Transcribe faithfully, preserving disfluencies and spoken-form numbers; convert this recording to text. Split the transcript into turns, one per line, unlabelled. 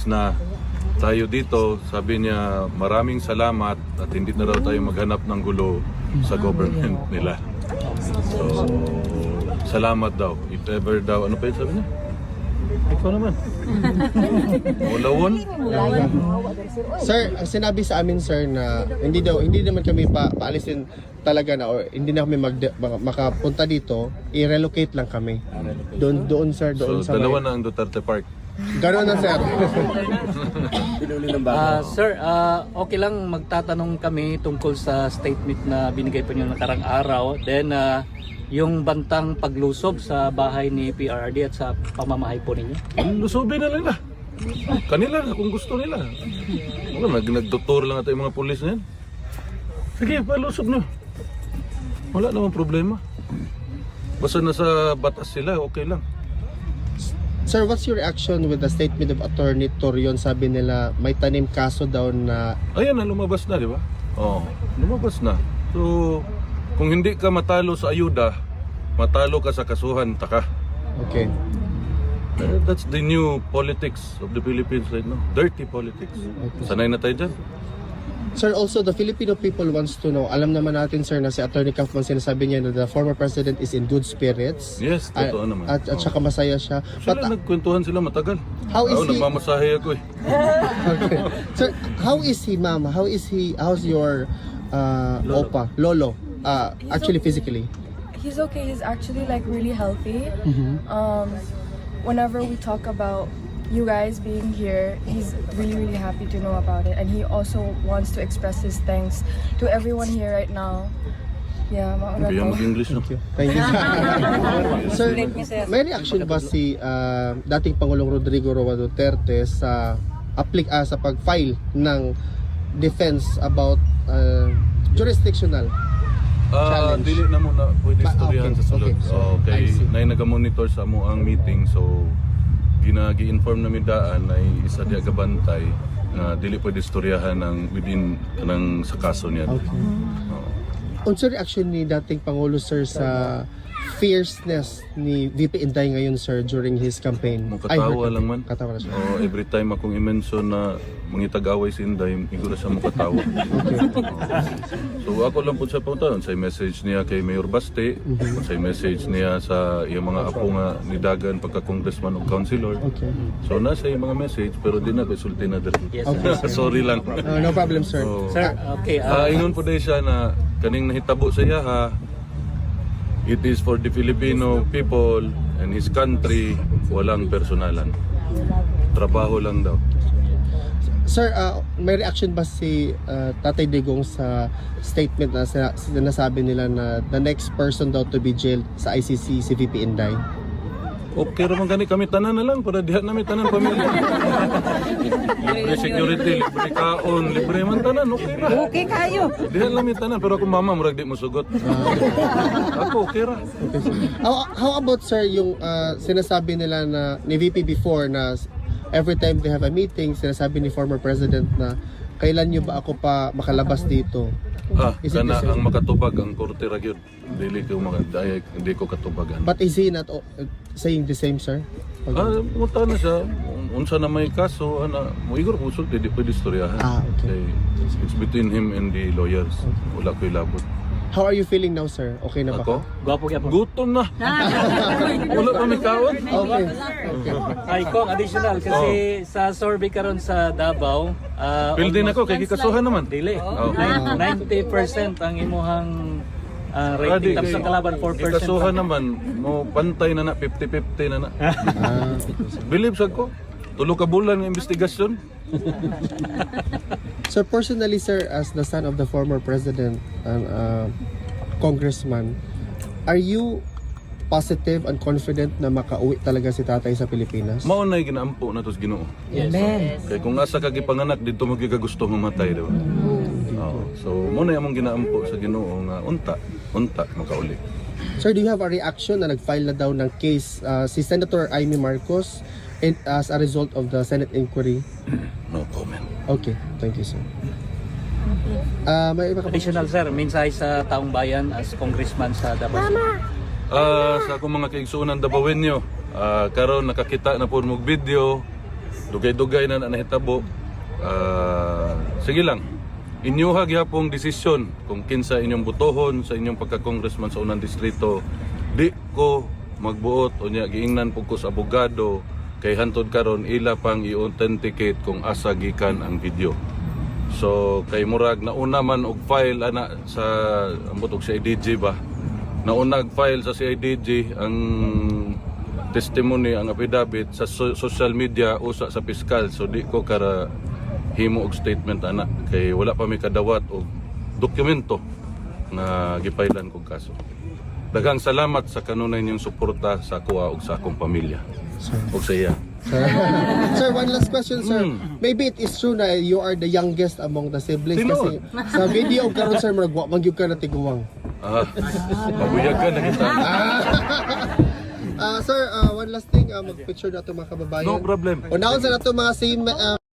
na tayo dito. Sabi niya maraming salamat at hindi na raw tayo maghanap ng gulo sa government nila. So, salamat daw. If ever daw, ano pa yun sabi niya? Ikaw naman. Mulawon?
Sir, ang sinabi sa amin sir na hindi daw hindi naman kami pa paalisin talaga na or hindi na kami mag, makapunta dito, i-relocate lang kami. Doon doon sir, doon
So,
sa
dalawa
may-
na ang Duterte Park.
Gano'n na sir.
Ah, sir, ah, okay lang magtatanong kami tungkol sa statement na binigay po niyo nakarang araw. Then, ah, yung bantang paglusob sa bahay ni P R R D at sa pamamahay po ninyo.
Lusubin na nila. Kanila na kung gusto nila. Wala, nag nagtutur lang ata yung mga pulis na yan. Sige, palusob na. Wala namang problema. Basta nasa batas sila, okay lang.
Sir, what's your reaction with the statement of Attorney Torion? Sabi nila may tanim kaso daw na
Ayan na, lumabas na, di ba? Oo, lumabas na. So, kung hindi ka matalo sa ayuda, matalo ka sa kasuhan, taka.
okay.
Uh, That's the new politics of the Philippines right now. Dirty politics. Sanay na tayo dyan.
Sir, also the Filipino people wants to know. Alam naman natin sir na si Attorney Kaufman sinasabi niya na the former president is in good spirits.
Yes, totoo
Ah,
naman.
At, at
Oo.
saka masaya siya.
Sila
But,
nagkwentuhan sila matagal.
How is
Ako,
he-
nagmamasahe ako eh.
okay. Sir, how is he, ma'am? How is he? How's your uh,
Lolo.
opa, lolo? Uh, actually, physically.
He's okay. He's actually like really healthy.
Mhm.
Um, whenever we talk about you guys being here, he's really really happy to know about it, and he also wants to express his thanks to everyone here right now. Yeah, mauna
Kaya
po.
mag-English no?
Thank you. Thank you. Sir, may reaction ba si uh, dating Pangulong Rodrigo Roa Duterte sa applic ah, sa pag-file ng defense about uh, jurisdictional?
Ah,
Challenge.
dili na muna pwede
Ba-
istoryahan
okay,
sa sulod.
okay.
So, kay
I see.
nay naga-monitor sa mo ang meeting, so ginagi-inform namin daan ay isa diya gabantay na dili pwede istoryahan ng within kanang sa kaso niya.
Okay.
Oo.
Unsa reaction ni dating Pangulo sir sa fierceness ni V P Inday ngayon sir during his campaign?
Mo
Ay, her
katawa lang man.
campaign. Katawa na siya.
Oh, every time akong i-mention na mangitag-away si Inday, igura siya mo katawa. So ako lang po sa punta, sa message niya kay Mayor Baste, sa message niya sa iyang mga apo nga ni Dagan pagka-congressman o councilor.
Okay.
So nasa yung mga message pero di na ko isulti na diri.
Yes, sir.
Sorry lang.
Uh, no problem sir.
So,
Sir, okay.
ah
ah,
ingon po dahil siya na kaning nahitabo sa iya ha, it is for the Filipino people and his country, walang personalan. Trabaho lang daw.
Sir, uh, may reaction ba si uh, Tatay Digong sa statement na sa, sinasabi nila na the next person daw to be jailed sa I C C si V P Inday?
Okay raman gani kami tanan na lang para diha namin tanan pamilya. Libre security, libre kaon, libre man tanan, okay ra.
Okay kayo.
Diha namin tanan pero kung mama murag di mo sugot. Ako okay ra.
Okay, sir. How, how about sir yung uh, sinasabi nila na ni V P before na every time they have a meeting, sinasabi ni former president na kailan nyo ba ako pa makalabas dito?
Ah,
Is it
kana
the same?
ang makatubag ang korte ra gyud. Dili ko maka dahil hindi ko katubagan.
But is he not uh, saying the same, sir?
Ah, munta na siya. Un- Unsa na may kaso, ana, mo igor mo sulti di pwede istoryahan.
Ah, okay.
Kay it's between him and the lawyers. Wala ko'y labot.
How are you feeling now, sir? Okay na ba
Ako?
ka?
gwapo kaya po.
Gutom na. Wala pa may kaon.
Okay. Okay.
Ay, kung additional kasi sa survey karon sa Davao, ah,
Pil din
almost-
ako, kay gikasuhan naman.
Dili.
Oh.
Nine- ninety percent ang imuhang ah,
Adi,
rating tapos
kay-
ang kalaban four percent.
Gikasuhan naman, mo pantay na na, fifty fifty na na.
Ah,
Believe sa ko, tulo ka bulan ng investigasyon.
so personally, sir, as the son of the former president and uh, congressman, are you positive and confident na makauwi talaga si tatay sa Pilipinas?
Mao na'y ginaampo na tos Ginoo.
Amen.
Kay kung asa ka gipanganak dito mo gigagusto mamatay, di ba? Oo. So mo na among ginaampo sa Ginoo nga unta, unta makauli.
Sir, do you have a reaction na nag-file na daw ng case uh, si Senator Amy Marcos and as a result of the Senate inquiry?
No comment.
Okay, thank you, sir. Ah, may iba ka pa?
Additional sir, mensahe sa taong bayan as congressman sa Davao.
Ah, sa akong mga kaigsuonan Dabawenyo, ah karon nakakita na po mo video dugay-dugay na na nahitabo. Ah, sige lang. Inyuha gyapong desisyon kung kinsa inyong butohon sa inyong pagka-congressman sa unang distrito. Di ko magbuot o niya giingnan pug ko sa abogado kay hantod karon ila pang i-authenticate kung asa gikan ang video. So kay murag nauna man og file ana sa ambot og C I D G ba. Nauna og file sa C I D G ang testimony ang affidavit sa so- social media usa sa piskal. So di ko kara himo og statement ana kay wala pa mi kadawat og dokumento nga gipailan kog kaso. Daghang salamat sa kanunay niyong suporta sa kuha ug sa akong pamilya. Og sa iya.
Sir, one last question, sir.
Hmm.
Maybe it is true na you are the youngest among the siblings
Sino?
kasi sa video karon sir murag wa man gyud ka na tiguwang.
Ah, pabuyag ka na kita.
Ah, sir, ah, one last thing, ah, mag-picture na ito mga kababayan.
No problem.
Unahon sa nato mga same ah,